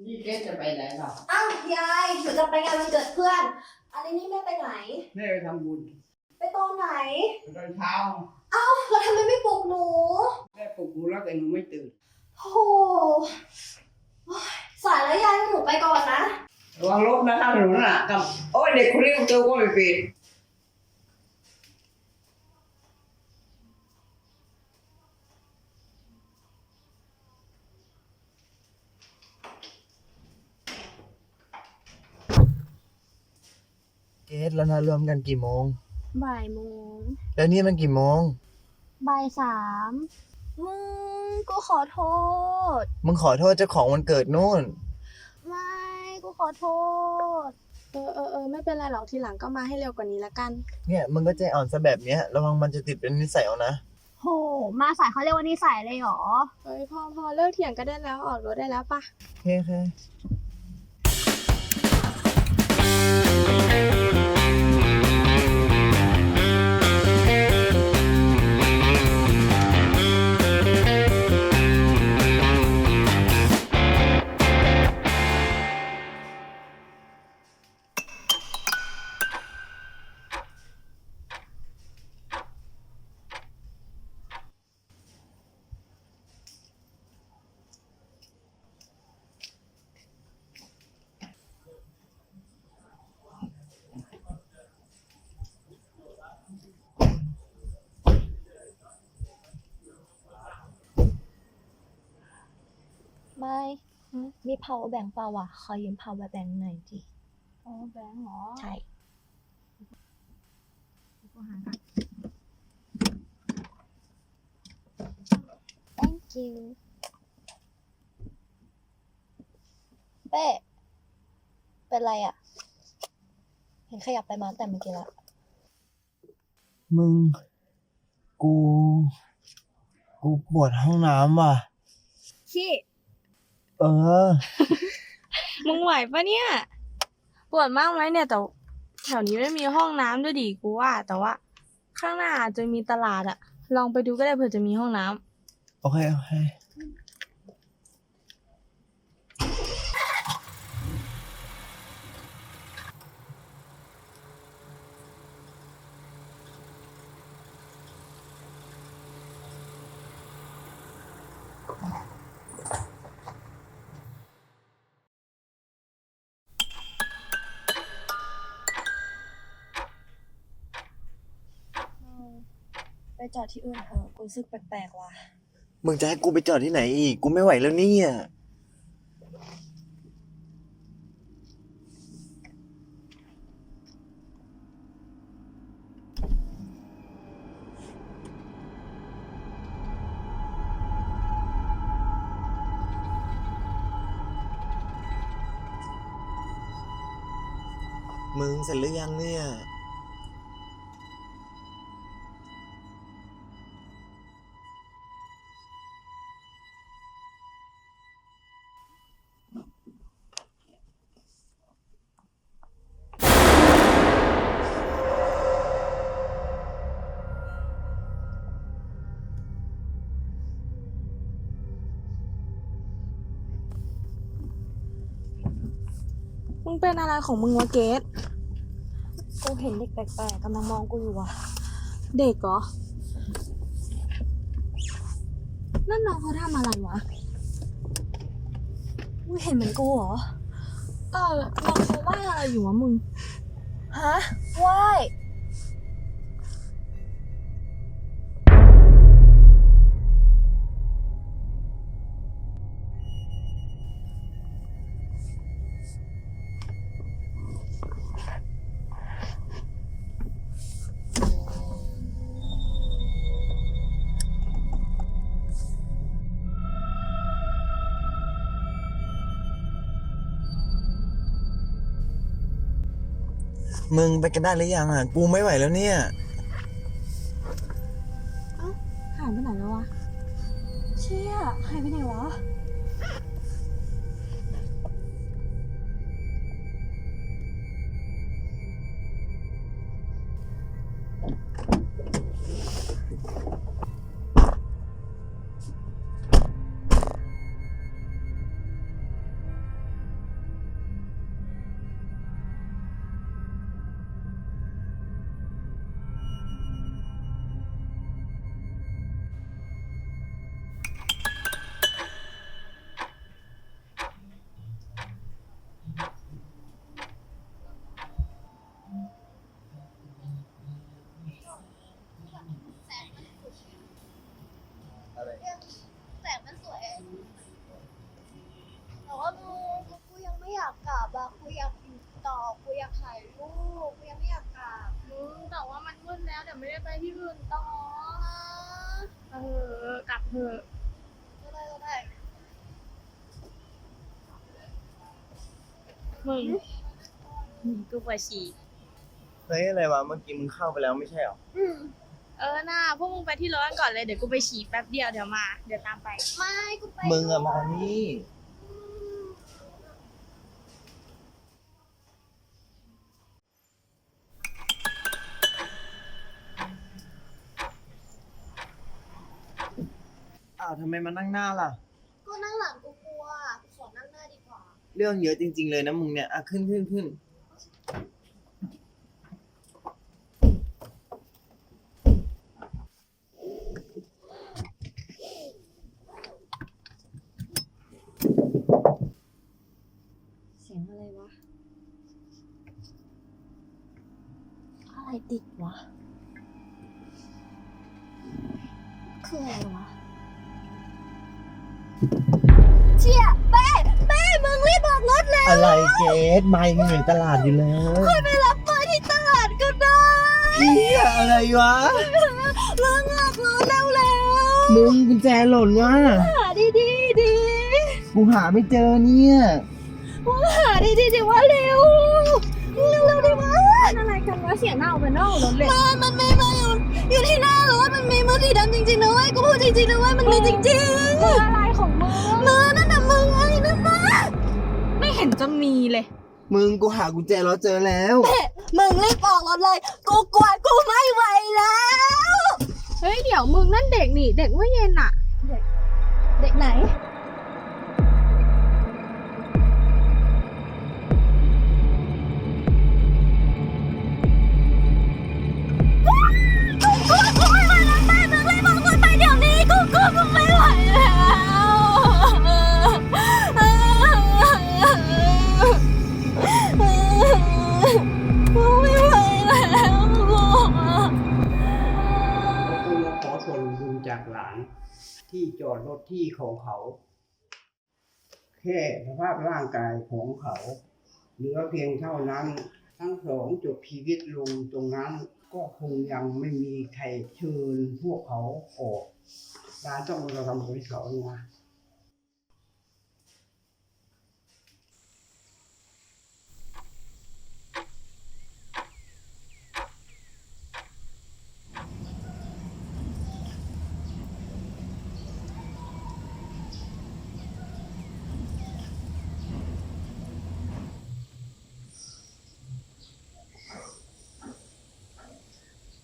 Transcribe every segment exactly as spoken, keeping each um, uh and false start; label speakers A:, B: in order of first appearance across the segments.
A: นี่เกสจะไปไหนหรอ
B: อ้าวยายหนูจะไปงานวันเกิดเพื่อนอันนี้นี่แม่ไปไหน
A: แม่ไปทำบุญ
B: ไปตอนไหน
A: ตอนเช้า
B: อ้าวแล้วทำไมไม่ปลุกหนู
A: แม่ปลุกหนูแล้วแต่หนูไม่ตื่น
B: โอ้สายแล้วยายหนูไปก่อนนะ
A: ระวังรถนะครับหนูน่ะกับโอ้ยเด็กคนนี้ประตูก็ไม่ปิด
C: เกสแล้วนัดรวมกันกี่โมง
D: บ่ายโมง
C: แล้วนี่มันกี่โมง
D: บ่ายสามมึงกูขอโทษ
C: มึงขอโทษเจ้าของวันเกิดนู่น
D: ไม่กูขอโทษเออเออเออไม่เป็นไรหรอกทีหลังก็มาให้เร็วกว่านี้ละกัน
C: เนี่ยมึงก็ใจอ่อนซะแบบเนี้ยระวังมันจะติดเป็นนิสัยเอานะ
D: โหมาสายเขาเรียกว่านิสัยเลยเหรอเฮ้ยพอพอเลิกเถียงกันได้แล้วออกรถได้แล้วปะ
C: โอเคโอเค
D: ไม่มี power bank เปล่าวะขอยืม power bank หน่อยดิ
B: power bank เหรอ
D: ใช่กูหาค่ะ thank you เป้เป็นไรอ่ะเห็นขยับไปมาแต่เมื่อกี้ละ
C: มึงกูกูปวดห้องน้ำว่ะ
D: ขี้
C: เออ
D: มึงไหวปะเนี่ยปวดมากไหมเนี่ยแต่แถวนี้ไม่มีห้องน้ำด้วยดิกูว่าแต่ว่าข้างหน้าอาจจะมีตลาดอะลองไปดูก็ได้เผื่อจะมีห้องน้
C: ำโอเคโอเค
D: ไปจอดที่อื่นเถอะกูรู้สึกแปลกๆว่ะ
C: มึงจะให้กูไปจอดที่ไหนอีกกูไม่ไหวแล้วเนี่ยมึงเสร็จหรือยังเนี่ย
D: มึงเป็นอะไรของมึงวะเกสกูเห็นเด็กแปลกๆกำลังมองกูอยู่ว่ะเด็กเหรอนั่นน้องเขาทำอะไรวะมึงเห็นเหมือนกูเหรอเออน้องเขาว่าอะไรอยู่วะมึงฮะว่าย
C: มึงไปกันได้หรือยังอ่ะกูไม่ไหวแล้วเนี่ย
D: เอ้าหายไปไหนแล้ววะเชี่ยหายไปไหนวะ
C: ม
B: ต่อกูอยากถ่ายรูปกูยังไม่อยากกลับ
D: มึงแต่ว่ามันมืดแล้วเดี๋ยวไม่ได้ไปที่อื่นต่อ
B: นะ
D: เออกลับเถอะ
B: ก็ได้ก็ได้
D: มึงมึงกูปวดฉี่
C: เฮ้ยอะไรวะเมื่อกี้มึงเข้าไปแล้วไม่ใช่หรอ
B: อืม
D: เออน่าพวกมึงไปที่รถกันก่อนเลยเดี๋ยวกูไปฉี่แป๊บเดียวเดี๋ยวมาเดี๋ยวตามไป
B: ไม่กูไป
C: มึงอะมานี่อ้าวทำไมมานั่งหน้าล่ะ
B: ก็นั่งหลังกูกลัวกูขอนั่งหน้าดีกว่า
C: เรื่องเยอะจริงๆเลยนะมึงเนี่ยอ่ะขึ้นขึ้นขึ้น
B: เสียงอะไรวะ อะไรติดวะ คืออะไรวะ เชี่ยเป้เป้มึงรีบบอกรถเลย
C: อะไรเกสไม่มึงอยู่ตลาดอยู่แล้ว
B: ค่อยไปรับเป้ที่ตลาดก็ได้
C: เฮียอะไรวะ
B: เรื่องออกรถแล้วแล้ว
C: มึงกุญแจหล่นว่ะ
B: หาดีดีดี
C: กูหาไม่เจอเนี่ย
B: ว่าหาดีดีดีว่าเร็วเร็วเร็วดีวะอะไรกันวะเสียงหน้าออกไปนอกรถเลยมันมันไม่มาอยู่อยู่ที่หน้ารถมันมีมือสีดำจริงๆนะเว้ยกูพูดจริงๆนะเว้ยมันมีจริงๆมืออะไรของมึงมือนั่นน่ะมึงไอ้นั่นนะ
D: ไม่เห็นจะมีเลย
C: มึงกูหากุญแจรถเจอแล้ว
B: มึงรีบออกรถเลยกูกลัวกูไม่ไหวแล้ว
D: เฮ้ยเดี๋ยวมึงนั่นเด็กนี่เด็กเมื่อเย็นอะ
B: เด็กไหนกูกลัวกูไม่ไหวแล้วแม่มึงรีบออกรถไปเดี๋ยวนี้กูกลัวกูไม่ไหวแล้วกูไม่ไหวแล้วกู
A: กูมาขอส่วนบุญจากหลาน ที่จอดรถที่ของเขา แค่สภาพร่างกายของเขาเหลือเพียงเท่านั้น ทั้งสองจบชีวิตลงตรงนั้น ก็คงยังไม่มีใครเชิญพวกเขาออกร้านต้องเราทำบริเขานะ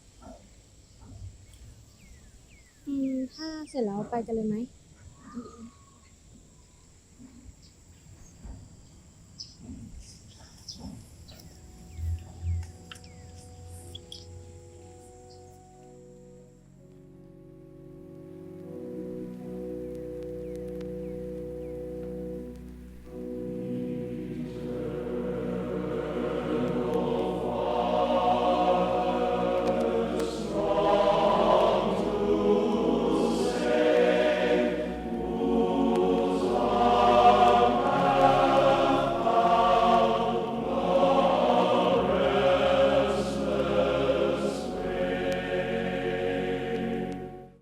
D: อืมถ้าเสร็จแล้วไปกันเลยไหม